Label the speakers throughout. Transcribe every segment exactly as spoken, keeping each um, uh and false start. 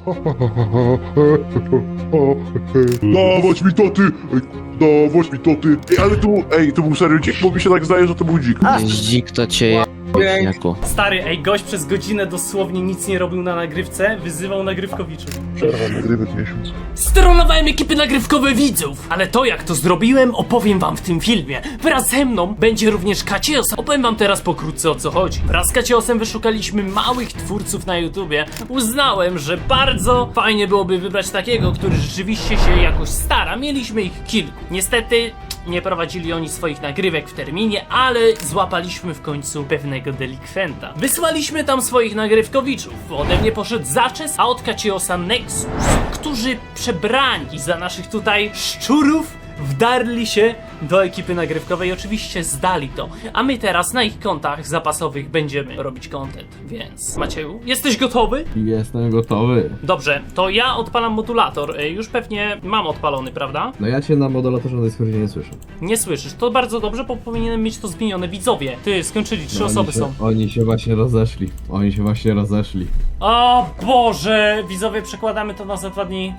Speaker 1: Dawać mi to ty! Ej, dawać mi to ty! Ej, ale tu, ej, to był serio dzik, bo mi się tak zdaje, że to był dzik.
Speaker 2: Dzik to cię je... Jako.
Speaker 3: Stary, ej, gość przez godzinę dosłownie nic nie robił na nagrywce, wyzywał nagrywkowiczów.
Speaker 1: Przerwa nagrywek miesiąc.
Speaker 3: Stronowałem ekipy nagrywkowe widzów, ale to jak to zrobiłem opowiem wam w tym filmie. Wraz ze mną będzie również Kacios. Opowiem wam teraz pokrótce o co chodzi. Wraz z Kaciosem wyszukaliśmy małych twórców na YouTubie. Uznałem, że bardzo fajnie byłoby wybrać takiego, który rzeczywiście się jakoś stara. Mieliśmy ich kilku. Niestety nie prowadzili oni swoich nagrywek w terminie, ale złapaliśmy w końcu pewnego delikwenta. Wysłaliśmy tam swoich nagrywkowiczów. Ode mnie poszedł Zaczes, a od Kaciosa Nexus, którzy przebrani za naszych tutaj szczurów wdarli się do ekipy nagrywkowej i oczywiście zdali to. A my teraz na ich kontach zapasowych będziemy robić content. Więc Macieju, jesteś gotowy?
Speaker 4: Jestem gotowy.
Speaker 3: Dobrze, to ja odpalam modulator. Y, Już pewnie mam odpalony, prawda?
Speaker 4: No ja cię na modulatorze na Discordzie nie słyszę.
Speaker 3: Nie słyszysz, to bardzo dobrze, bo powinienem mieć to zmienione. Widzowie, ty, skończyli, trzy
Speaker 4: No,
Speaker 3: osoby
Speaker 4: oni się,
Speaker 3: są.
Speaker 4: Oni się właśnie rozeszli. Oni się właśnie rozeszli.
Speaker 3: O Boże, widzowie, przekładamy to na za dwa dni.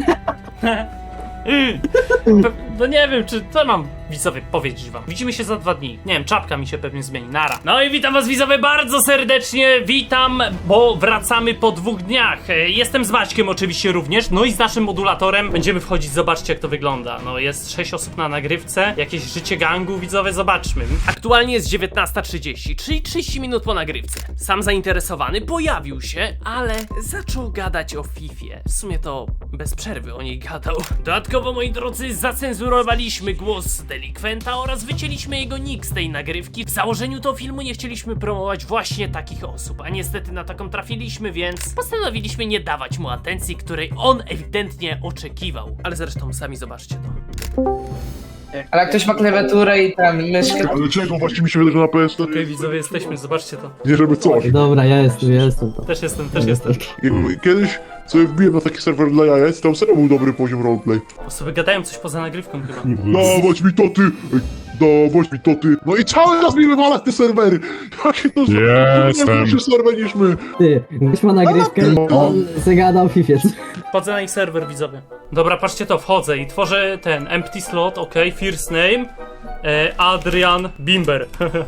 Speaker 3: Pe- No nie wiem, czy co mam widzowie powiedzieć wam. Widzimy się za dwa dni. Nie wiem, czapka mi się pewnie zmieni. Nara. No i witam was widzowie bardzo serdecznie. Witam, bo wracamy po dwóch dniach. E, Jestem z Maćkiem oczywiście również. No i z naszym modulatorem będziemy wchodzić. Zobaczcie jak to wygląda. No jest sześć osób na nagrywce. Jakieś życie gangu, widzowie, zobaczmy. Aktualnie jest dziewiętnasta trzydzieści, czyli trzydzieści minut po nagrywce. Sam zainteresowany pojawił się, ale zaczął gadać o Fifie. W sumie to bez przerwy o niej gadał. Dodatkowo, moi drodzy, zacenzurowaliśmy głos delikwenta oraz wycięliśmy jego nick z tej nagrywki. W założeniu to filmu nie chcieliśmy promować właśnie takich osób, a niestety na taką trafiliśmy, więc postanowiliśmy nie dawać mu atencji, której on ewidentnie oczekiwał. Ale zresztą sami zobaczcie to.
Speaker 5: Ale jak ktoś ma klawiaturę i tam myszkę...
Speaker 1: Ale czego? Właśnie mi się wydaje, że na P S
Speaker 3: Okej, okay, widzowie, jesteśmy, zobaczcie to.
Speaker 1: nie żeby coś.
Speaker 4: Dobra, ja jestem, ja jestem to.
Speaker 3: Też jestem, też jestem.
Speaker 1: Jak- Kiedyś sobie wbiłem na taki serwer dla jajec, tam serio był dobry poziom roleplay.
Speaker 3: Osoby gadają coś poza nagrywką chyba.
Speaker 1: Dawać mi to ty! Ej, dawać mi to ty! No i cały czas mi wywalać te serwery! Jakie to
Speaker 6: Jestem.
Speaker 1: Nie serwer niż my!
Speaker 4: Ty, ktoś ma nagrywkę i on zagadał Fifiec.
Speaker 3: Wchodzę na ich serwer, widzowie. Dobra, patrzcie to, wchodzę i tworzę ten empty slot, ok, first name e, Adrian Bimber.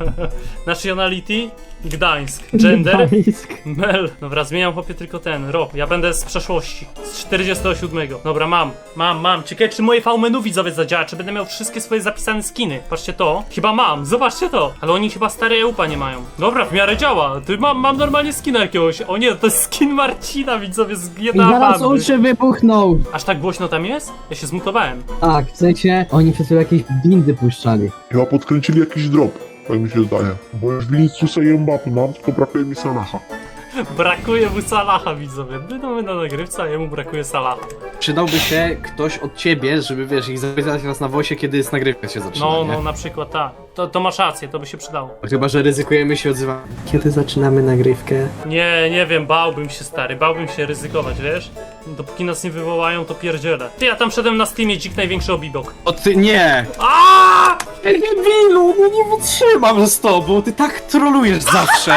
Speaker 3: Nationality Gdańsk. Gender Mel. Dobra, zmieniam chłopie tylko ten rok. Ja będę z przeszłości. Z czterdziestego siódmego. Dobra, mam, mam, mam. Ciekawe czy moje V-menu widzowie zadziała, czy będę miał wszystkie swoje zapisane skiny. Patrzcie to. Chyba mam, zobaczcie to. Ale oni chyba stare EUPA nie mają. Dobra, w miarę działa. Ty mam, mam normalnie skina jakiegoś. O nie, to jest skin Marcina widzowie z
Speaker 4: I
Speaker 3: G T A
Speaker 4: zaraz
Speaker 3: bandy.
Speaker 4: uszy wybuchnął.
Speaker 3: Aż tak głośno tam jest? Ja się zmutowałem.
Speaker 4: Tak, w sensie oni przez chwilę jakieś windy puszczali.
Speaker 1: Chyba podkręcili jakiś drop, tak mi się zdaje. Bo już Viniciusa i Mbappé mam, tylko brakuje mi Salaha.
Speaker 3: Brakuje mu Salaha, widzowie. My mamy na nagrywce, a jemu brakuje Salaha.
Speaker 6: Przydałby się ktoś od ciebie, żeby wiesz, ich zapytać raz na wosie, kiedy jest nagrywka się zaczyna,
Speaker 3: No,
Speaker 6: nie?
Speaker 3: no, na przykład tak. To, to masz rację, to by się przydało.
Speaker 6: Chyba, że ryzykujemy się odzywać.
Speaker 7: Kiedy zaczynamy nagrywkę?
Speaker 3: Nie, nie wiem, bałbym się, stary, bałbym się ryzykować, wiesz? Dopóki nas nie wywołają, to pierdzielę. Ty, ja tam szedłem na Steamie, dzik największy obibok.
Speaker 6: O ty, nie!
Speaker 3: Aaaa!
Speaker 6: Debilu, no nie wytrzymam z tobą, ty tak trolujesz zawsze!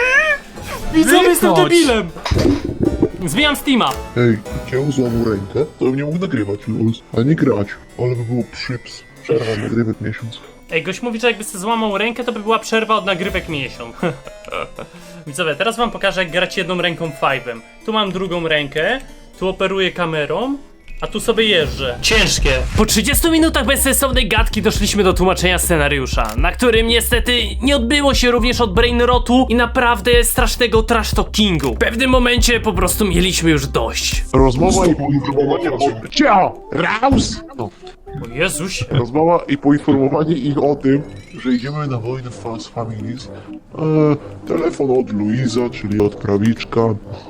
Speaker 3: Widzowie, jestem
Speaker 6: Wychodź.
Speaker 3: debilem! Zmieniam Steama.
Speaker 1: Ej, kieł złamał rękę, to bym nie mógł nagrywać, luz. A nie grać. Ale by było przyps. Przerwa nagrywek miesiąc.
Speaker 3: Ej, gość mówi, że jakby sobie złamał rękę, to by była przerwa od nagrywek miesiąc. Widzowie, teraz wam pokażę, jak grać jedną ręką five'em. Tu mam drugą rękę, tu operuję kamerą, a tu sobie jeżdżę. Ciężkie. Po trzydziestu minutach bezsensownej gadki doszliśmy do tłumaczenia scenariusza, na którym niestety nie odbyło się również od brainrotu i naprawdę strasznego trash talkingu. W pewnym momencie po prostu mieliśmy już dość.
Speaker 1: Rozmowa i poinformowanie o... Cia! Raus! No.
Speaker 3: O Jezuś.
Speaker 1: Rozmowa i poinformowanie ich o tym, że idziemy na wojnę Fast Families. Eee, telefon od Luiza, czyli od prawiczka.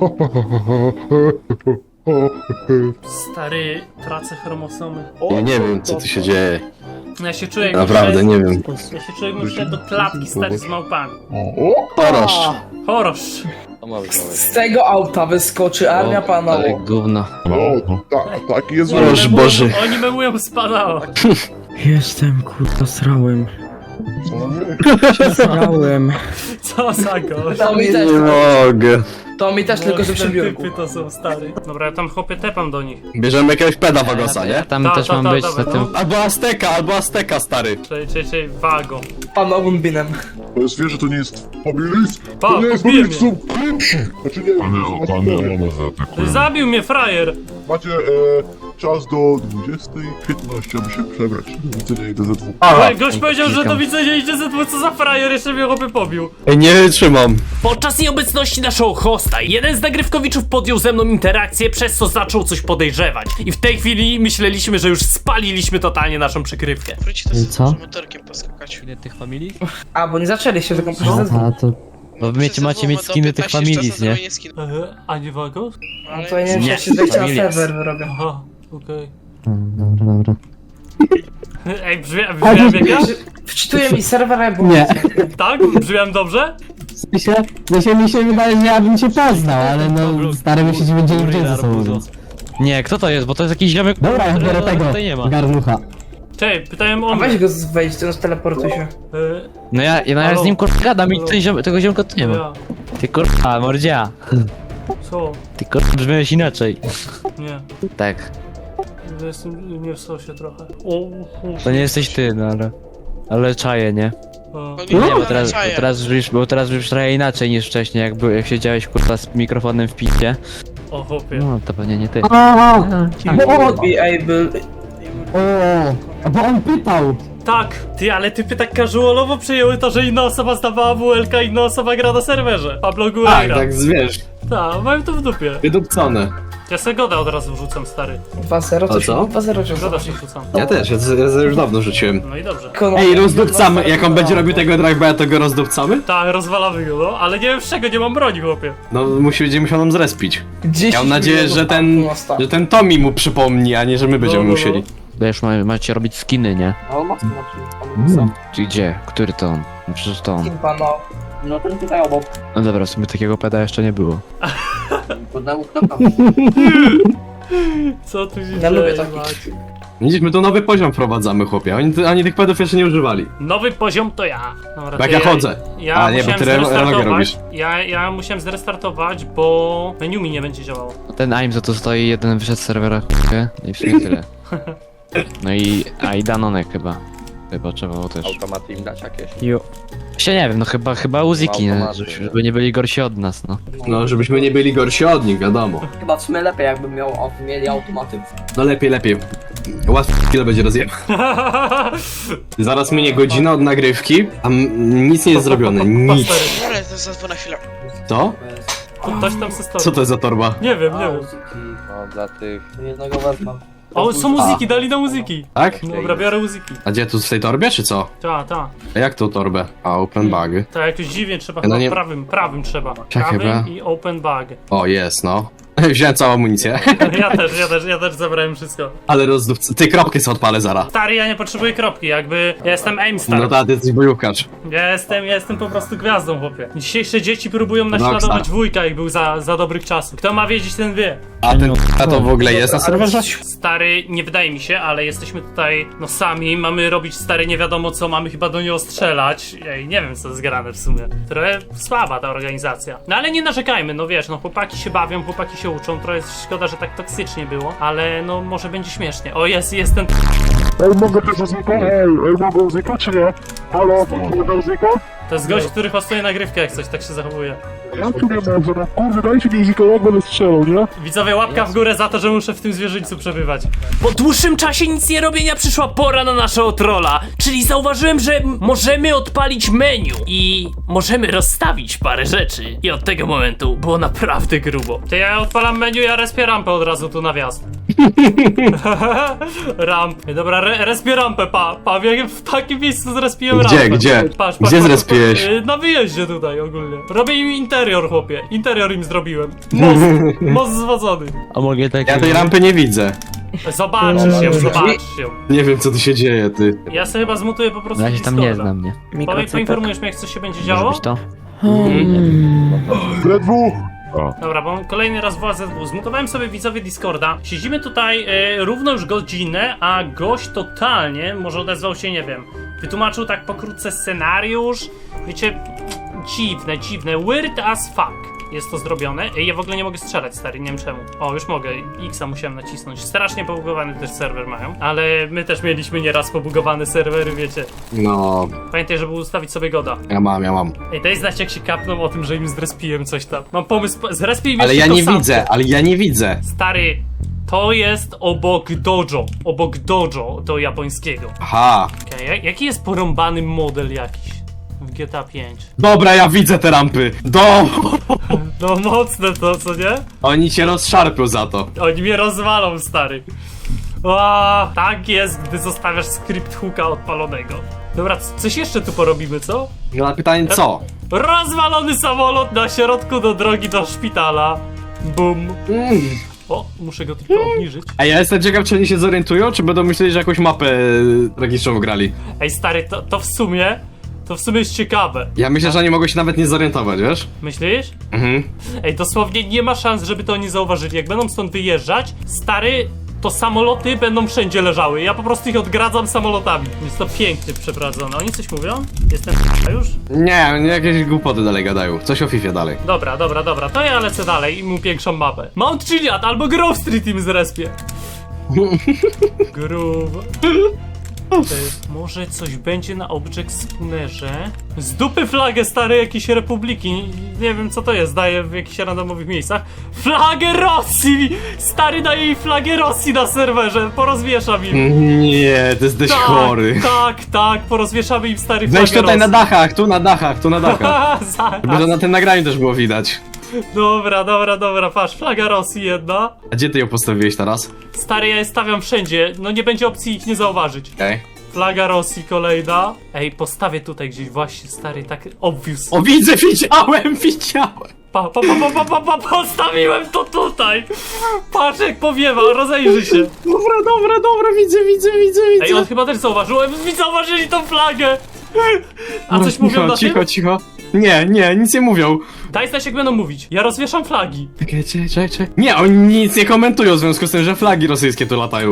Speaker 3: Stary, tracę chromosomy.
Speaker 2: Ja nie wiem, co tu się dzieje.
Speaker 3: Ja się czuję jakbym
Speaker 2: Naprawdę,
Speaker 3: wszedł-
Speaker 2: nie wiem.
Speaker 3: Ja się czuję jakbym wszedł do klatki stary z małpami.
Speaker 1: O, o!
Speaker 2: Poroszcz.
Speaker 3: Chorosz.
Speaker 5: Z tego auta wyskoczy armia
Speaker 2: Ale
Speaker 5: panowa.
Speaker 2: gówno.
Speaker 1: No, tak, taki jest
Speaker 2: Boże,
Speaker 1: wojna.
Speaker 2: Boże.
Speaker 3: Oni memują spadała.
Speaker 7: Jestem, kurwa, srałem.
Speaker 1: Co?
Speaker 7: Srałem.
Speaker 3: Co za gość.
Speaker 5: No widać.
Speaker 2: Nie mogę.
Speaker 5: To mi też, tylko że przy biurku.
Speaker 3: Typy to są stary. Dobra, ja tam chłopie tepam do nich.
Speaker 2: Bierzemy jakiegoś peda Wagosa,
Speaker 3: Tak,
Speaker 2: nie? Tam
Speaker 3: Ta,
Speaker 2: też
Speaker 3: ta,
Speaker 2: mam
Speaker 3: ta,
Speaker 2: być
Speaker 3: dobra,
Speaker 2: na tym.
Speaker 3: no.
Speaker 2: Albo Azteka, albo Azteka, stary.
Speaker 3: Czyli, czyli, czyli wago.
Speaker 5: Panowym binem.
Speaker 1: To jest, wiesz, że to nie jest familis?
Speaker 3: Pa,
Speaker 1: To nie jest
Speaker 3: kupiłem
Speaker 1: familis, są klienci! Znaczy nie,
Speaker 3: Ty zabił mnie frajer!
Speaker 1: macie e, czas do dwudziestej piętnaście, aby się przebrać. Do widzenia, idę ze dwóch.
Speaker 3: Ale gość powiedział, że do widzenia idzie ze dwóch, co za frajer, jeszcze mnie chłopy pobił.
Speaker 2: Ej, nie wytrzymam.
Speaker 3: Podczas nieobecności naszego hosta, jeden z nagrywkowiczów podjął ze mną interakcję, przez co zaczął coś podejrzewać. I w tej chwili myśleliśmy, że już spaliliśmy totalnie naszą przykrywkę.
Speaker 8: Wróci to
Speaker 4: I
Speaker 8: z
Speaker 4: co?
Speaker 8: motorkiem poskakać.
Speaker 2: Ile tych familii?
Speaker 5: A, bo nie zaczęliście, tylko proszę ze dwóch.
Speaker 4: A to...
Speaker 2: Bo wy wiecie, macie mieć skiny tych familis, nie?
Speaker 3: Eee, a nie wago?
Speaker 5: No to nie wiem,
Speaker 2: Nie.
Speaker 5: czy się wejście na
Speaker 2: Familias.
Speaker 5: serwer wyrobią.
Speaker 3: Aha, okej.
Speaker 4: Mm, Dobra, dobra.
Speaker 3: Ej, brzmiałem brzmiałem jak ja?
Speaker 5: Wczytuję mi serwer, bo...
Speaker 4: Nie.
Speaker 3: Tak? Brzmiałem dobrze?
Speaker 4: W sensie, w sensie mi się wydaje, że ja bym cię poznał, ale no stary my się będziemy widzieć ze sobą, więc...
Speaker 2: Nie, kto to jest? Bo to jest jakiś ziomek.
Speaker 4: Dobra, ja biorę tego,
Speaker 2: Tutaj nie ma.
Speaker 4: garnucha.
Speaker 3: Cześć, pytałem o
Speaker 5: A
Speaker 3: mnie.
Speaker 5: weź go z- wejdź, to teleportuj się.
Speaker 3: Eee,
Speaker 2: No ja, ja, no ja
Speaker 3: Halo?
Speaker 2: z nim kurwa gadam i ten ziom, tego ziomka tu nie ma.
Speaker 3: ja.
Speaker 2: Ty kurwa, mordzia.
Speaker 3: Co?
Speaker 2: Ty kurwa brzmiałeś inaczej.
Speaker 3: Nie.
Speaker 2: Tak.
Speaker 3: Jestem nie w sosie trochę. O, o,
Speaker 2: To nie jesteś ty, no ale... Ale czaję, nie?
Speaker 3: a.
Speaker 2: Nie, bo teraz, bo teraz brzmisz, bo teraz brzmisz trochę inaczej niż wcześniej, jak, był, jak siedziałeś kurwa z mikrofonem w picie.
Speaker 3: O, chłopie.
Speaker 2: No, to pewnie nie ty.
Speaker 4: O, o,
Speaker 5: Be able...
Speaker 4: o, o, bo on pytał.
Speaker 3: Tak, ty, ale typy tak casualowo przejęły to, że inna osoba zdawała W L K, inna osoba gra na serwerze. Pablo
Speaker 6: Tak,
Speaker 3: Guerra.
Speaker 6: tak, wiesz,
Speaker 3: Tak, mam to w dupie.
Speaker 6: wydupcone.
Speaker 3: Ja se goda od razu wrzucam, stary.
Speaker 5: dwa zero,
Speaker 6: A
Speaker 5: co?
Speaker 6: co?
Speaker 5: dwa zero, czy
Speaker 3: Goda się wrzucam.
Speaker 6: Ja też, ja, ja już dawno rzuciłem.
Speaker 3: No i dobrze.
Speaker 6: Ej, rozdupcamy, jak on będzie robił tego drive'a, to go rozdupcamy?
Speaker 3: Tak, rozwalamy go, no, ale nie wiem z czego, nie mam broni, chłopie.
Speaker 6: No, musi, będzie musiał nam zrespić.
Speaker 5: dziesięć
Speaker 6: Ja mam nadzieję,
Speaker 5: milionów
Speaker 6: że ten,
Speaker 5: mosta.
Speaker 6: że ten Tommy mu przypomni, a nie, że my będziemy
Speaker 3: no, no.
Speaker 6: musieli.
Speaker 2: Wiesz, ma, macie robić skiny, nie?
Speaker 5: No, mocno,
Speaker 4: Mm.
Speaker 2: Czy gdzie? Który to on? No przecież to on.
Speaker 5: Kimpa, no. No ten tutaj obok.
Speaker 2: No dobra, w sumie takiego peda jeszcze nie było.
Speaker 3: Co tu się
Speaker 5: Ja
Speaker 3: dzieje,
Speaker 5: lubię takich.
Speaker 3: Maciek?
Speaker 6: Widzisz, my tu nowy poziom wprowadzamy, chłopie. Oni, oni tych pedów jeszcze nie używali.
Speaker 3: Nowy poziom to ja. Dobra,
Speaker 6: Jak
Speaker 3: to
Speaker 6: ja chodzę.
Speaker 3: Ja
Speaker 6: A, nie, bo
Speaker 3: musiałem
Speaker 6: ty re- relogę
Speaker 3: zrestartować.
Speaker 6: robisz.
Speaker 3: Ja, ja musiałem zrestartować, bo menu mi nie będzie działało.
Speaker 2: Ten A I M, co tu stoi, jeden wyszedł z serwera, chłopie, i w sumie tyle. No i... a i Danonek chyba. Chyba trzeba było też.
Speaker 9: Automaty im dać jakieś?
Speaker 2: Jo. Się nie wiem, no chyba, chyba Uziki, nie?
Speaker 9: Automaty,
Speaker 2: Żeby-
Speaker 9: nie?
Speaker 2: żeby nie byli gorsi od nas, no.
Speaker 6: No, żebyśmy nie byli gorsi od nich, wiadomo.
Speaker 10: Chyba w sumie lepiej jakby miał, mieli automaty.
Speaker 6: No lepiej, lepiej. Łatwo chwilę będzie rozjeb. Zaraz minie godzina od nagrywki, a m- nic nie jest zrobione. Nic.
Speaker 8: Ale to zadzwo na chwilę.
Speaker 6: Co?
Speaker 3: To ktoś tam se stoi.
Speaker 6: Co to jest za torba?
Speaker 3: Nie wiem, nie wiem.
Speaker 9: No dla tych...
Speaker 10: Jednego wezmę.
Speaker 3: O, są muzyki, dali na muzyki.
Speaker 6: Tak?
Speaker 3: Dobra, biorę muzyki.
Speaker 6: A gdzie, tu w tej torbie, czy co?
Speaker 3: Ta, ta.
Speaker 6: A jak tą torbę? A, open bag.
Speaker 3: Tak, jakoś dziwnie trzeba,
Speaker 6: No
Speaker 3: chyba
Speaker 6: nie-
Speaker 3: prawym, prawym trzeba.
Speaker 6: Czekaj,
Speaker 3: Prawym
Speaker 6: bra.
Speaker 3: i open bag.
Speaker 6: O, jest, no. Wziąłem całą amunicję.
Speaker 3: Ja też, ja też, ja też zabrałem wszystko.
Speaker 6: Ale rozdów... Ty, kropkę sobie odpalę zara.
Speaker 3: Stary, ja nie potrzebuję kropki, jakby ja jestem aimstar.
Speaker 6: No tak, ty jesteś bojówkarz.
Speaker 3: Ja jestem, ja jestem po prostu gwiazdą, chłopie. Dzisiejsze dzieci próbują naśladować
Speaker 6: Rockstar.
Speaker 3: wujka, jak był za, za dobrych czasów. Kto ma wiedzieć, ten wie.
Speaker 6: A ten a to w ogóle jest na serwerze?
Speaker 3: Stary, nie wydaje mi się, ale jesteśmy tutaj, no sami, mamy robić stary nie wiadomo co, mamy chyba do niego strzelać. Ej, nie wiem co jest grane w sumie. Trochę słaba ta organizacja. No ale nie narzekajmy, no wiesz, no chłopaki się bawią, chłopaki się uczą, trochę szkoda, że tak toksycznie było, ale no może będzie śmiesznie. O, jest, jest ten...
Speaker 1: Ej, mogę też znika? Ej, ej, mogę znika, czy nie? Halo, mogę znika?
Speaker 3: To jest gość, który hostuje nagrywkę, jak coś tak się zachowuje.
Speaker 1: Ja tu nie mogę, no kurde, dajcie mi znika, jak będę strzelał, nie?
Speaker 3: Widzowie, łapka w górę za to, że muszę w tym zwierzyńcu przebywać. Po dłuższym czasie nic nie robienia przyszła pora na naszego trolla, czyli zauważyłem, że m- możemy odpalić menu i możemy rozstawić parę rzeczy. I od tego momentu było naprawdę grubo. To ja odpalam menu, ja respię rampę od razu tu na wjazd. Ramp. Dobra, re respię rampę, pa, pa, w, w takim miejscu zrespiłem
Speaker 6: Gdzie,
Speaker 3: rampę.
Speaker 6: gdzie?
Speaker 3: Patrz, patrz,
Speaker 6: Gdzie
Speaker 3: patrz,
Speaker 6: zrespiłeś?
Speaker 3: patrz, Na wyjeździe tutaj ogólnie. Robię im interior, chłopie. Interior im zrobiłem. Most, most zwodzony.
Speaker 2: A mogę tak...
Speaker 6: Ja tej rampy nie widzę.
Speaker 3: Zobaczysz ją, zobaczysz ją.
Speaker 6: Nie wiem, co tu się dzieje, ty.
Speaker 3: Ja sobie chyba zmutuję po prostu
Speaker 2: Na razie tam nie
Speaker 3: Discorda.
Speaker 2: znam, nie?
Speaker 3: Powiedz, poinformujesz mnie, jak coś się będzie
Speaker 2: Może
Speaker 3: działo?
Speaker 2: być to?
Speaker 1: Ledwo!
Speaker 3: Dobra, bo kolejny raz woła Z W. Zmutowałem sobie widzowie Discorda. Siedzimy tutaj e, równo już godzinę, a gość totalnie, może odezwał się, nie wiem, wytłumaczył tak pokrótce scenariusz. Wiecie, dziwne, dziwne, weird as fuck. jest to zrobione. Ej, ja w ogóle nie mogę strzelać, stary, nie wiem czemu. O, już mogę, X-a musiałem nacisnąć. Strasznie pobugowany też serwer mają, ale my też mieliśmy nieraz pobugowane serwery, wiecie.
Speaker 6: No,
Speaker 3: Pamiętaj, żeby ustawić sobie goda.
Speaker 6: ja mam, ja mam.
Speaker 3: Ej, daj znać, jak się kapną o tym, że im zrespiłem coś tam. Mam pomysł, zrespię im
Speaker 6: Ale
Speaker 3: jeszcze
Speaker 6: ja
Speaker 3: to
Speaker 6: nie
Speaker 3: samo.
Speaker 6: widzę, ale ja nie widzę.
Speaker 3: Stary, to jest obok dojo. Obok dojo do japońskiego.
Speaker 6: Aha.
Speaker 3: Okej, jaki jest porąbany model jakiś w G T A pięć?
Speaker 6: Dobra, ja widzę te rampy. Do!
Speaker 3: No mocne to, co nie?
Speaker 6: Oni cię rozszarpią za to.
Speaker 3: Oni mnie rozwalą, stary. Ła, tak jest, gdy zostawiasz skrypt hooka odpalonego. Dobra, c- coś jeszcze tu porobimy, co?
Speaker 6: No na pytanie co?
Speaker 3: Rozwalony samolot na środku do drogi do szpitala. Bum.
Speaker 6: Mm.
Speaker 3: O, muszę go tylko obniżyć.
Speaker 6: A ja jestem ciekaw, czy oni się zorientują, czy będą myśleli, że jakąś mapę e, tragiczną grali.
Speaker 3: Ej, stary, to, to w sumie, to w sumie jest ciekawe.
Speaker 6: Ja myślę, że oni mogą się nawet nie zorientować, wiesz?
Speaker 3: Myślisz?
Speaker 6: Mhm.
Speaker 3: Ej, dosłownie nie ma szans, żeby to oni zauważyli. Jak będą stąd wyjeżdżać, stary, to samoloty będą wszędzie leżały. Ja po prostu ich odgradzam samolotami. Jest to pięknie przeprowadzone. Oni coś mówią? Jestem już?
Speaker 6: Nie, nie jakieś głupoty dalej gadają. Coś o Fifie dalej.
Speaker 3: Dobra, dobra, dobra. To ja lecę dalej i mu większą mapę. Mount Chiliad albo Grove Street im zrespie. Groove. Ty, może coś będzie na Object Spoonerze? Z dupy flagę stare jakiejś republiki. Nie, nie wiem co to jest, daje w jakichś randomowych miejscach. Flagę Rosji! Stary daje jej flagę Rosji na serwerze. Porozwieszam im.
Speaker 6: Nie, to jesteś
Speaker 3: Tak,
Speaker 6: chory.
Speaker 3: tak, tak. Porozwieszamy im stary flagę
Speaker 6: Weź tutaj
Speaker 3: Rosji.
Speaker 6: na dachach, tu na dachach, tu na dachach.
Speaker 3: Zaraz.
Speaker 6: Żeby to na tym nagraniu też było widać.
Speaker 3: Dobra, dobra, dobra, patrz, flaga Rosji jedna.
Speaker 6: A gdzie ty ją postawiłeś teraz?
Speaker 3: Stary, ja je stawiam wszędzie, no nie będzie opcji ich nie zauważyć.
Speaker 6: Okej.
Speaker 3: Flaga Rosji kolejna. Ej, postawię tutaj gdzieś właśnie, stary, tak obvious.
Speaker 6: O, widzę, widziałem, widziałem.
Speaker 3: Pa, pa, pa, pa, pa, pa, postawiłem to tutaj! Patrz jak powiewa, rozejrzy się.
Speaker 6: Dobra, dobra, dobra, widzę, widzę, widzę, widzę.
Speaker 3: Ej, on chyba też zauważył, Ej, zauważyli tą flagę! A coś
Speaker 6: cicho,
Speaker 3: mówią na
Speaker 6: cicho,
Speaker 3: tym?
Speaker 6: cicho. Nie, nie, nic nie mówią.
Speaker 3: Daj znać jak będą mówić, ja rozwieszam flagi.
Speaker 6: Czekaj, czekaj, czekaj, czekaj. Nie, oni nic nie komentują w związku z tym, że flagi rosyjskie tu latają.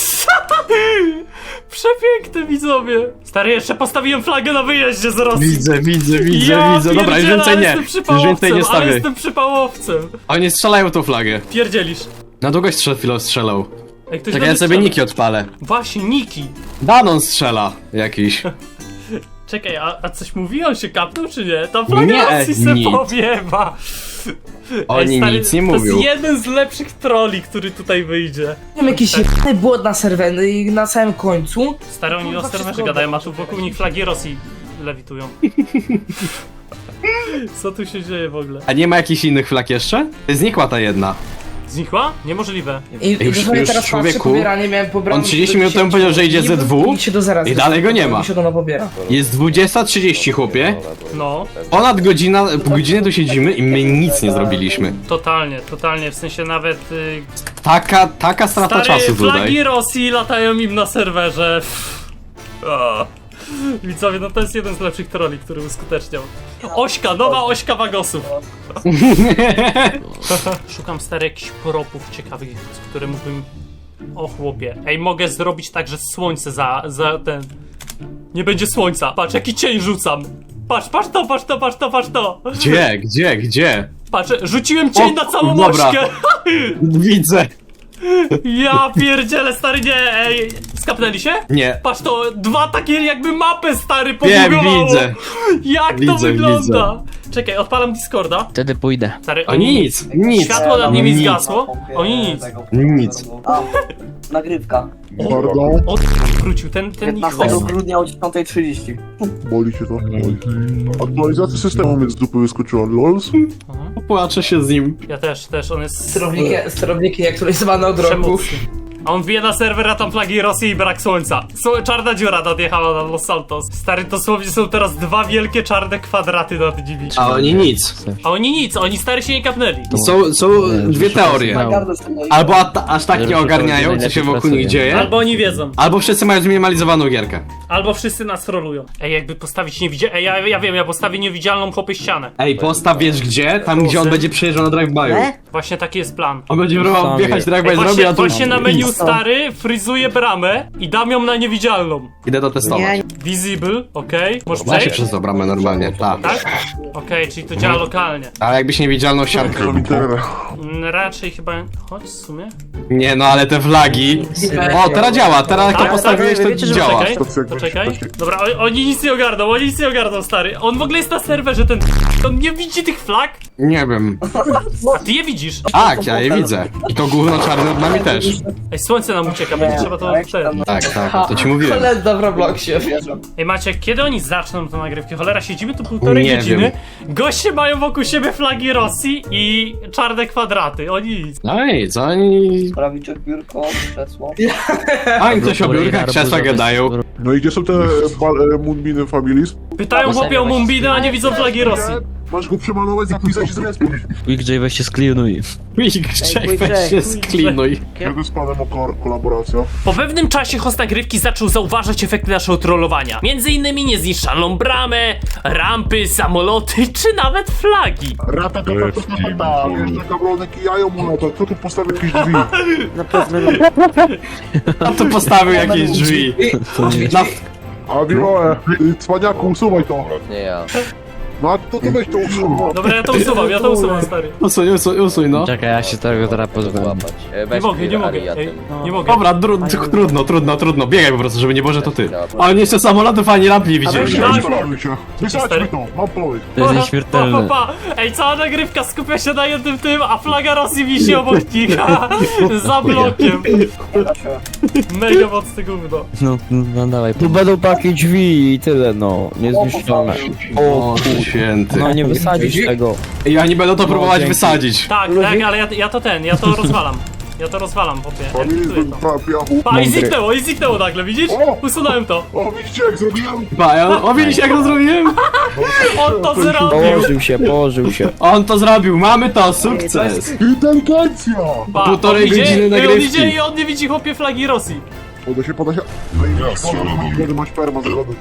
Speaker 3: Przepiękne widzowie. Stary, jeszcze postawiłem flagę na wyjeździe z Rosji.
Speaker 6: Widzę, widzę, widzę,
Speaker 3: ja
Speaker 6: widzę. Dobra, już
Speaker 3: pierdzielę,
Speaker 6: więcej
Speaker 3: ale
Speaker 6: nie.
Speaker 3: jestem
Speaker 6: Już
Speaker 3: przypałowcem,
Speaker 6: więcej nie
Speaker 3: ale
Speaker 6: stawię.
Speaker 3: jestem przypałowcem.
Speaker 6: Oni strzelają tą flagę.
Speaker 3: Pierdzielisz.
Speaker 6: Na długość przed chwilą strzelał.
Speaker 3: Ej, ktoś
Speaker 6: Tak
Speaker 3: do
Speaker 6: ja
Speaker 3: mnie
Speaker 6: sobie
Speaker 3: strzela.
Speaker 6: niki odpalę.
Speaker 3: Właśnie, Niki.
Speaker 6: Danon strzela jakiś.
Speaker 3: Czekaj, a, a coś mówi? On się kapnął czy nie? Ta flaga
Speaker 6: Nie,
Speaker 3: Rosji se
Speaker 6: nic.
Speaker 3: powiewa.
Speaker 6: Oni
Speaker 3: stary,
Speaker 6: nic nie
Speaker 3: to
Speaker 6: mówią.
Speaker 3: jest jeden z lepszych trolli, który tutaj wyjdzie.
Speaker 5: Mam jakiś jebany błąd na serwerze i na samym końcu.
Speaker 3: Stary, oni o
Speaker 5: Kurwa,
Speaker 3: serwerze
Speaker 5: wszystko
Speaker 3: gadają, a
Speaker 5: dobrze.
Speaker 3: tu wokół nich flagi Rosji lewitują. Co tu się dzieje w ogóle?
Speaker 6: A nie ma jakichś innych flag jeszcze? Znikła ta jedna.
Speaker 3: Znikła? Niemożliwe.
Speaker 5: I
Speaker 6: Już-
Speaker 5: już,
Speaker 6: już
Speaker 5: teraz
Speaker 6: człowieku,
Speaker 5: patrzę, pobieranie miałem pobrane.
Speaker 6: on trzydzieści minut temu powiedział, że idzie ze dwu
Speaker 5: I się do zera
Speaker 6: i dalej go nie ma.
Speaker 5: I się do pobiera.
Speaker 6: Jest dwudziesta trzydzieści, chłopie.
Speaker 3: No,
Speaker 6: Ponad godzina, pół godziny tu siedzimy i my nic nie zrobiliśmy.
Speaker 3: totalnie, totalnie, w sensie nawet... Y,
Speaker 6: Taka, taka strata
Speaker 3: stary,
Speaker 6: czasu
Speaker 3: flagi
Speaker 6: tutaj.
Speaker 3: Rosji latają im na serwerze. O. Widzowie, no to jest jeden z lepszych trolli, który uskuteczniał. Ośka, nowa ośka wagosów. Szukam stary jakichś propów ciekawych, które mógłbym... O chłopie, ej, mogę zrobić tak, że słońce za, za ten... Nie będzie słońca, patrz jaki cień rzucam. Patrz, patrz to, patrz to, patrz to, patrz to.
Speaker 6: Gdzie, gdzie, gdzie?
Speaker 3: Patrz, rzuciłem cień
Speaker 6: O,
Speaker 3: na całą
Speaker 6: dobra.
Speaker 3: ośkę.
Speaker 6: Widzę.
Speaker 3: Ja pierdzielę, stary, nie, ej, skapnęli się?
Speaker 6: Nie.
Speaker 3: Patrz to, dwa takie jakby mapy, stary,
Speaker 6: Wiem,
Speaker 3: pobugowało.
Speaker 6: widzę.
Speaker 3: Jak to
Speaker 6: Widzę,
Speaker 3: wygląda? Czekaj, odpalam Discorda.
Speaker 2: Wtedy pójdę.
Speaker 3: Stary,
Speaker 6: O nic, nic.
Speaker 3: Światło nad nimi
Speaker 6: Nic.
Speaker 3: zgasło. Oni nic.
Speaker 6: Nic.
Speaker 10: A, nagrywka.
Speaker 1: Pardon,
Speaker 3: O, wrócił, ten, ten ich
Speaker 10: piętnastego
Speaker 3: host.
Speaker 10: grudnia o dziesiątej trzydzieści.
Speaker 1: boli cię to? Boli. Aktualizacja systemu mnie z dupy wyskoczyła, lols.
Speaker 6: Płaczę się z nim.
Speaker 3: Ja też, też, on jest
Speaker 5: Sterowniki, sterowniki aktualizowane od roku.
Speaker 3: przemocny. A on wbije na serwer, a tam flagi Rosji i brak słońca. Sło- czarna dziura nadjechała na Los Santos. Stary, dosłownie są teraz dwa wielkie czarne kwadraty nad nimi.
Speaker 6: A oni nic.
Speaker 3: A oni nic, oni stary się nie kapnęli.
Speaker 6: Są, są dwie teorie.
Speaker 10: Gardę sobie-
Speaker 6: Albo a, aż tak nie ogarniają, co się wokół nich dzieje.
Speaker 3: Albo oni wiedzą.
Speaker 6: Albo wszyscy mają zminimalizowaną gierkę.
Speaker 3: Albo wszyscy nas trolują. Ej, jakby postawić niewidzialną... Ej, ja, ja wiem, ja postawię niewidzialną chłopy ścianę.
Speaker 6: Ej, postaw wiesz gdzie? Tam gdzie on będzie przejeżdżał na drive-by'u.
Speaker 3: Właśnie taki jest plan.
Speaker 6: On będzie próbował wjechać drive-by,
Speaker 3: Ej,
Speaker 6: zrobi,
Speaker 3: właśnie,
Speaker 6: a tu...
Speaker 3: właśnie na menu stary fryzuje bramę i dam ją na niewidzialną.
Speaker 6: Idę to testować.
Speaker 3: Visible, okej. Możesz
Speaker 6: Da się
Speaker 3: przejść?
Speaker 6: przez tą bramę normalnie, tak.
Speaker 3: Tak? Okej, czyli to działa lokalnie.
Speaker 6: Ale jakbyś niewidzialną siatkę
Speaker 1: To mi
Speaker 6: robił.
Speaker 1: tyle.
Speaker 3: Mm, Raczej chyba... Chodź w sumie.
Speaker 6: Nie no, ale te flagi... O, teraz działa, teraz jak to
Speaker 3: Tak,
Speaker 6: postawiłeś,
Speaker 3: tak,
Speaker 6: to
Speaker 3: wiecie, że
Speaker 6: działa.
Speaker 3: poczekaj.
Speaker 1: To jak
Speaker 3: Poczekaj.
Speaker 1: będzie-
Speaker 3: Dobra, o, oni nic nie ogarną, oni nic nie ogarną, stary. On w ogóle jest na serwerze, ten... On nie widzi tych flag?
Speaker 6: Nie wiem.
Speaker 3: A ty je widzisz.
Speaker 6: Tak, ja je widzę. I to gówno czarne od nami też.
Speaker 3: Ej, słońce nam ucieka, będzie trzeba to... Ten.
Speaker 6: Tak, tak, to ci mówiłem.
Speaker 5: Kolenda w Robloxie.
Speaker 3: Ej, Maciek, kiedy oni zaczną tę nagrywkę? Cholera, siedzimy tu półtorej
Speaker 6: Nie
Speaker 3: godziny.
Speaker 6: wiem.
Speaker 3: Goście mają wokół siebie flagi Rosji i czarne kwadraty. Oni nic.
Speaker 6: No i co oni...
Speaker 10: Prawiczek, biurko, krzesło.
Speaker 6: A im coś o biurkach, krzesła gadają.
Speaker 1: No i gdzie są te bal- e, Moonbeam Families?
Speaker 3: Pytają chłopie o Mumbiny, a nie widzą flagi Rosji.
Speaker 1: Masz go przemalować, zapisać i zrespić.
Speaker 2: Quick J weź się sklinuj.
Speaker 6: Quick, weź się sklinuj.
Speaker 1: Kiedy z panem o ko- kolaboracja?
Speaker 3: Po pewnym czasie host nagrywki zaczął zauważać efekty naszego trollowania. Między innymi niezniszczalną bramę, rampy, samoloty, czy nawet flagi.
Speaker 1: Rata, kata, kata, kata, jeszcze gablonek i jajo mu lata. Kto tu postawił jakieś drzwi?
Speaker 7: Na pewno
Speaker 6: A tu postawił jakieś drzwi. Na...
Speaker 1: A Wiloe, y, cwaniaku, usuwaj to.
Speaker 9: Nie ja.
Speaker 1: No a to, to weź to usuwaj.
Speaker 3: Dobra, ja to usuwam, ja to usuwam, stary.
Speaker 6: Usuń, usuń, usuń, no.
Speaker 2: Czekaj, ja się tego teraz pozbędę.
Speaker 9: Łapać. E,
Speaker 3: Nie
Speaker 9: weź
Speaker 3: mogę, nie
Speaker 9: Clear
Speaker 3: mogę,
Speaker 9: Area
Speaker 3: ej,
Speaker 9: tym.
Speaker 3: nie mogę.
Speaker 6: Dobra, tru- trudno, trudno, trudno. Biegaj po prostu, żeby nie Boże to ty. Ale jeszcze samolotów ani lamp nie widzieli.
Speaker 3: Tak.
Speaker 1: Wysadźmy się. Wysadźmy to, mam pomysł.
Speaker 2: To jest
Speaker 3: Pa,
Speaker 2: nieśmiertelne.
Speaker 3: pa, pa. Ej, cała nagrywka skupia się na jednym tym, a flaga Rosji wisi obok nich. Za blokiem. Mega mocne gówno.
Speaker 2: No, no dawaj.
Speaker 7: Tu będą takie drzwi i tyle, no. Niezniszczalne.
Speaker 6: O, święty.
Speaker 7: No nie wysadzisz tego.
Speaker 6: I oni będą to próbować
Speaker 7: dzięki.
Speaker 6: wysadzić.
Speaker 3: Tak, tak, ale ja, ja to ten, ja to rozwalam. Ja to rozwalam, popie.
Speaker 1: Families
Speaker 3: Eksploduję
Speaker 1: do
Speaker 3: to.
Speaker 1: pra- piachu.
Speaker 3: Pa, i zniknęło, i zniknęło nagle, widzisz?
Speaker 1: O!
Speaker 3: Usunąłem to.
Speaker 1: O, widzicie jak zrobiłem?
Speaker 6: Ba, ja- o, widzisz jak to zrobiłem?
Speaker 3: On to zrobił.
Speaker 7: Położył się, położył się.
Speaker 6: On to zrobił, mamy to, sukces.
Speaker 1: Inteligencja!
Speaker 3: Pa,
Speaker 6: Półtorej
Speaker 3: on idzie,
Speaker 6: godziny
Speaker 3: i On
Speaker 6: nagrywki.
Speaker 3: idzie i on nie widzi chłopie flagi Rosji.
Speaker 1: Poda się, poda się. Kiedy masz perma zagody.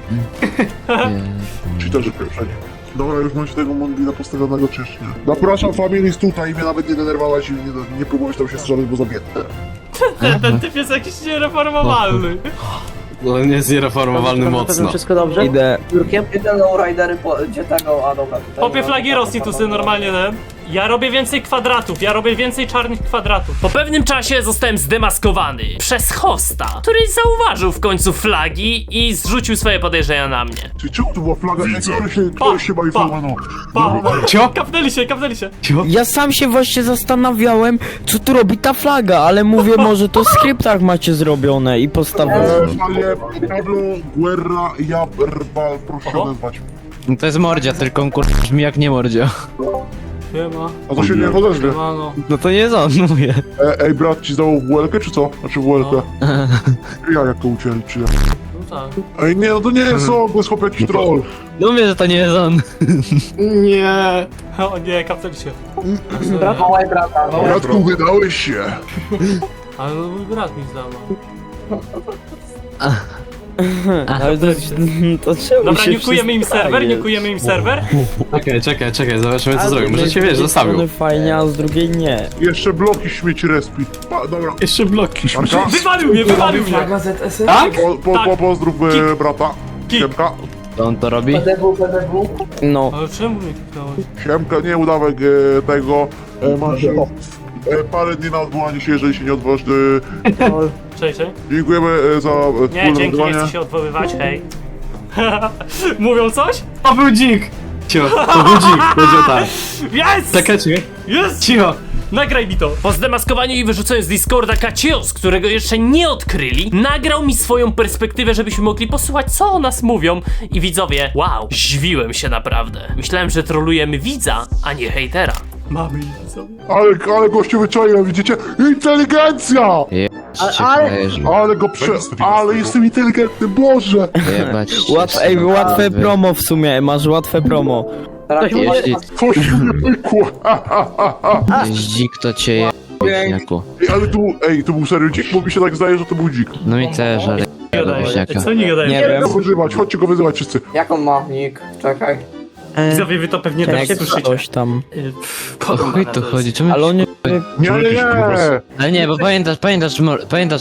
Speaker 1: Czy też pierwszej. Dobra, już macie tego Mondina postawionego czy jeszcze nie? Zapraszam Families tutaj i mnie nawet nie denerwować i nie, nie próbować tam się strzelać, bo zabiję.
Speaker 3: Ten, ten typ jest jakiś niereformowalny.
Speaker 6: No nie jest niereformowalny mocno.
Speaker 10: Wszystko dobrze?
Speaker 7: Idę.
Speaker 10: Biurkiem? Idę lowridery po... Gdzie tego? A dobra, tutaj.
Speaker 3: Chłopie flagi Rosji tu sobie normalnie ten. Ja robię więcej kwadratów, ja robię więcej czarnych kwadratów. Po pewnym czasie zostałem zdemaskowany przez hosta, który zauważył w końcu flagi i zrzucił swoje podejrzenia na mnie.
Speaker 1: Czy czemu tu była flaga? Ej, ktoś się,
Speaker 3: Pa,
Speaker 1: ktoś się bawi
Speaker 3: pa.
Speaker 1: formano.
Speaker 3: Pa,
Speaker 6: Cio?
Speaker 3: kapnęli się, kapnęli się.
Speaker 7: Ja sam się właśnie zastanawiałem, co tu robi ta flaga, ale mówię, może to w skryptach macie zrobione i postawione.
Speaker 1: Eee, ale Pablo Guerra Jabrbal, proszę się odezwać.
Speaker 2: No to jest mordzia, tylko on kur... brzmi jak nie mordzia.
Speaker 3: Siema,
Speaker 1: A to się nie odezwie.
Speaker 3: siemano.
Speaker 2: No to nie jest on, mówię.
Speaker 1: E, ej, brat ci zdał w łelkę, czy co? Znaczy w łelkę. Ja jak to ucięli, czy ja?
Speaker 3: No tak.
Speaker 1: Ej, nie, no to nie jest on, to jest chłop jakiś troll.
Speaker 2: No mówię, że to nie jest on.
Speaker 6: Nie.
Speaker 3: O nie, kapnęli się.
Speaker 10: Wołaj brata, wołaj.
Speaker 1: Bratku, wydałeś się.
Speaker 3: Ale no mój brat mi zdał.
Speaker 7: Ale to, to czemu
Speaker 3: Dobra,
Speaker 7: się
Speaker 3: nikujemy im serwer,
Speaker 7: przestaje?
Speaker 3: nikujemy im serwer.
Speaker 6: Czekaj, czekaj, czekaj, zobaczymy co
Speaker 7: Ale
Speaker 6: zrobił.
Speaker 7: z
Speaker 6: Może cię
Speaker 7: jednej
Speaker 6: wiesz, zostawił.
Speaker 7: strony fajnie, a z drugiej nie.
Speaker 1: Jeszcze bloki śmieci respi. Pa, dobra.
Speaker 6: Jeszcze bloki.
Speaker 1: Marka,
Speaker 3: Wywalił mnie, wywalił mnie.
Speaker 5: Flaga Z S S?
Speaker 6: Tak?
Speaker 1: po, po,
Speaker 3: Tak.
Speaker 1: po, pozdrów e, brata.
Speaker 3: Kik.
Speaker 1: Siemka.
Speaker 2: To on to robi?
Speaker 10: P D W, P D W.
Speaker 7: No.
Speaker 3: Ale czemu mnie kliknąłeś?
Speaker 1: Siemka, nie udawek e, tego. E, masz e, parę dni na odwołanie się, jeżeli się nie odwołasz. E,
Speaker 3: Cześć, cześć.
Speaker 1: dziękujemy e, za e,
Speaker 3: Nie,
Speaker 1: wspólne
Speaker 3: dzięki, nie
Speaker 1: nagrywanie.
Speaker 3: chcę się odwoływać, hej. Mówią coś?
Speaker 6: To był dzik. Cicho, to był dzik, powiedział tak.
Speaker 3: Jest!
Speaker 6: Czekaj, czekaj.
Speaker 3: Jest!
Speaker 6: Cicho.
Speaker 3: Nagraj mi to! Po zdemaskowaniu i wyrzuceniu z Discorda Kacios, którego jeszcze nie odkryli, nagrał mi swoją perspektywę, żebyśmy mogli posłuchać, co o nas mówią. I widzowie, wow, zdziwiłem się naprawdę. Myślałem, że trolujemy widza, a nie hejtera. Mamy widzowie.
Speaker 1: Ale, ale gościu wyczaiłem, widzicie? Inteligencja!
Speaker 2: Ale...
Speaker 1: Ale go prze... Ale jestem inteligentny, Boże!
Speaker 2: Jebać cię,
Speaker 7: Łat, ej,
Speaker 2: synu,
Speaker 7: łatwe
Speaker 2: wy-
Speaker 7: promo w sumie, masz łatwe promo.
Speaker 10: Teraz
Speaker 2: Jeśli
Speaker 1: Coś mi nie pykło.
Speaker 2: jest dzik, to cię je... Wieśniaku.
Speaker 1: Ej, ale tu, ej, to był serio dzik, bo mi się tak zdaje, że to był dzik.
Speaker 2: No i też, ale... do wieśniaka.
Speaker 3: Co nie gadają?
Speaker 7: Nie wiem.
Speaker 1: Go wyzywać, chodźcie go wyzywać wszyscy.
Speaker 10: Jak on ma nick? Czekaj.
Speaker 3: Widzowie, wy to pewnie też
Speaker 7: Jak
Speaker 3: słyszycie.
Speaker 7: coś tam.
Speaker 2: O chuj tu chodzi, czemu...
Speaker 7: Ale on nie...
Speaker 1: Nie, nie, nie!
Speaker 2: Ale nie, bo pamiętasz, pamiętasz, mo- pamiętasz te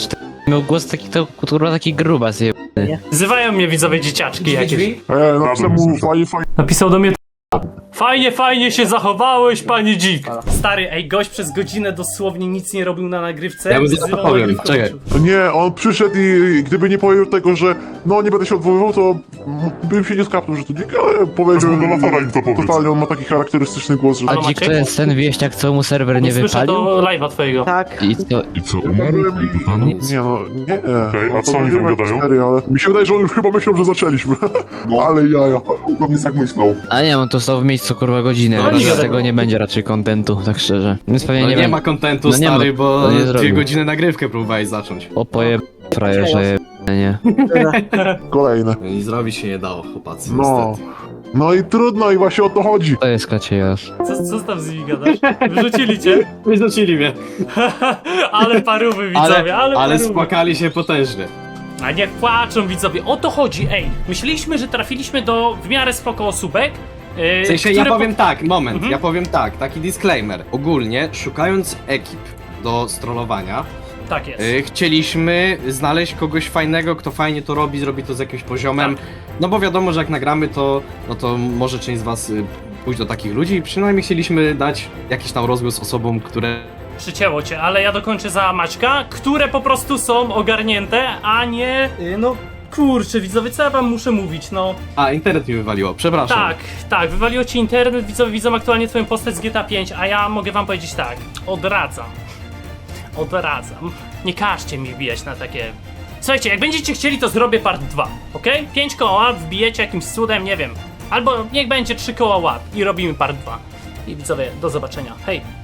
Speaker 2: Miał głos taki, to kurwa taki grubas je.
Speaker 3: Wzywają mnie widzowie dzieciaczki jakieś.
Speaker 1: E, napisał mu fajnie, fajnie.
Speaker 3: Napisał do mnie fajnie, fajnie się zachowałeś, panie dzik. Stary, ej, gość przez godzinę dosłownie nic nie robił na nagrywce.
Speaker 6: Ja mu zaraz
Speaker 3: wzywał
Speaker 6: powiem,
Speaker 3: nagrywkę,
Speaker 6: czekaj.
Speaker 3: włączył.
Speaker 1: Nie, on przyszedł i gdyby nie powiedział tego, że no nie będę się odwoływał, to m- bym się nie skapnął, że to dzik, ale powiedział, totalnie on ma taki charakterystyczny głos, że...
Speaker 2: A
Speaker 3: Maciek?
Speaker 2: dzik to jest ten wieśniak, co mu serwer nie
Speaker 3: Nie słyszę
Speaker 2: wypalił?
Speaker 3: to live'a twojego.
Speaker 7: Tak.
Speaker 2: I co?
Speaker 1: I co, umarłem i... Nie no, nie. Okay, a co oni tam gadają? Serio, ale mi się wydaje, że on już chyba myślał, że zaczęliśmy. No. Ale jaja. On jest tak myślał.
Speaker 2: A nie, on tu stał w miejscu kurwa godzinę,
Speaker 3: No
Speaker 2: ale
Speaker 3: nie
Speaker 2: z
Speaker 3: wiadomo.
Speaker 2: tego nie będzie raczej kontentu, tak szczerze. Więc pewnie
Speaker 6: No
Speaker 2: nie,
Speaker 6: nie
Speaker 2: wiem.
Speaker 6: ma kontentu,
Speaker 2: No nie ma,
Speaker 6: stary, bo
Speaker 2: to nie
Speaker 6: dwie
Speaker 2: zrobił.
Speaker 6: godziny nagrywkę próbowałeś zacząć.
Speaker 2: O poje... frajerze je... nie.
Speaker 1: Kolejne.
Speaker 6: No i zrobić się nie dało, chłopacy,
Speaker 1: No.
Speaker 6: niestety.
Speaker 1: No i trudno i właśnie o to chodzi.
Speaker 2: To jest kaciejarz.
Speaker 3: Co, co tam z nimi gadasz? Wyrzucili cię?
Speaker 6: Wyrzucili mnie.
Speaker 3: Ale parówy widzowie, ale,
Speaker 6: Ale, ale
Speaker 3: parówy.
Speaker 6: spłakali się potężnie.
Speaker 3: A niech płaczą widzowie, o to chodzi, ej. Myśleliśmy, że trafiliśmy do w miarę spoko osóbek. Yy,
Speaker 6: W sensie
Speaker 3: które
Speaker 6: ja powiem tak, moment,
Speaker 3: Mhm.
Speaker 6: ja powiem tak, taki disclaimer. Ogólnie, szukając ekip do strollowania,
Speaker 3: Po... Tak jest.
Speaker 6: y, chcieliśmy znaleźć kogoś fajnego, kto fajnie to robi, zrobi to z jakimś poziomem. No bo wiadomo, że jak nagramy to, no to może część z was y, pójść do takich ludzi i przynajmniej chcieliśmy dać jakiś tam rozgłos osobom, które
Speaker 3: Przycięło cię, ale ja dokończę za Maćka, które po prostu są ogarnięte, a nie... Yy, no kurczę widzowie, co ja wam muszę mówić, no...
Speaker 6: A, internet mi wywaliło, przepraszam.
Speaker 3: Tak, tak, wywaliło ci internet, widzowie widzą aktualnie twoją postać z G T A pięć, a ja mogę wam powiedzieć tak, odradzam. Odradzam. Nie każcie mi wbijać na takie... Słuchajcie, jak będziecie chcieli, to zrobię part dwa, okej? pięć koła wbijecie jakimś cudem, nie wiem. Albo niech będzie trzy koła łap i robimy part dwa. I widzowie, do zobaczenia. Hej!